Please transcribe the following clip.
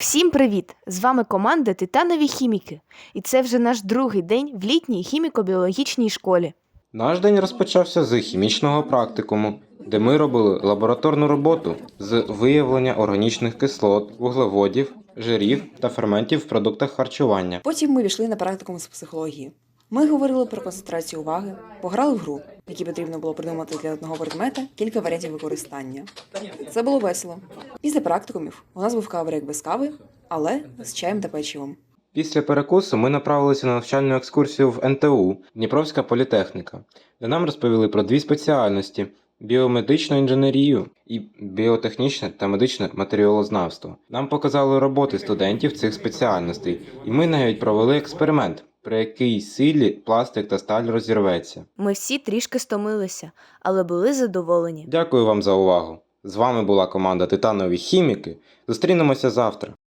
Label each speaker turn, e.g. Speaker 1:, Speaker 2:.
Speaker 1: Всім привіт! З вами команда Титанові хіміки. І це вже наш другий день в літній хіміко-біологічній школі.
Speaker 2: Наш день розпочався з хімічного практикуму, де ми робили лабораторну роботу з виявлення органічних кислот, вуглеводів, жирів та ферментів в продуктах харчування.
Speaker 3: Потім ми пішли на практикум з психології. Ми говорили про концентрацію уваги, пограли в гру, в якій потрібно було придумати для одного предмета кілька варіантів використання. Це було весело. Після практикумів у нас був каверик без кави, але з чаєм та печивом.
Speaker 2: Після перекусу ми направилися на навчальну екскурсію в НТУ Дніпровська політехніка, де нам розповіли про дві спеціальності – біомедичну інженерію і біотехнічне та медичне матеріалознавство. Нам показали роботи студентів цих спеціальностей, і ми навіть провели експеримент, при якій силі пластик та сталь розірветься.
Speaker 1: Ми всі трішки стомилися, але були задоволені.
Speaker 2: Дякую вам за увагу. З вами була команда Титанові хіміки. Зустрінемося завтра.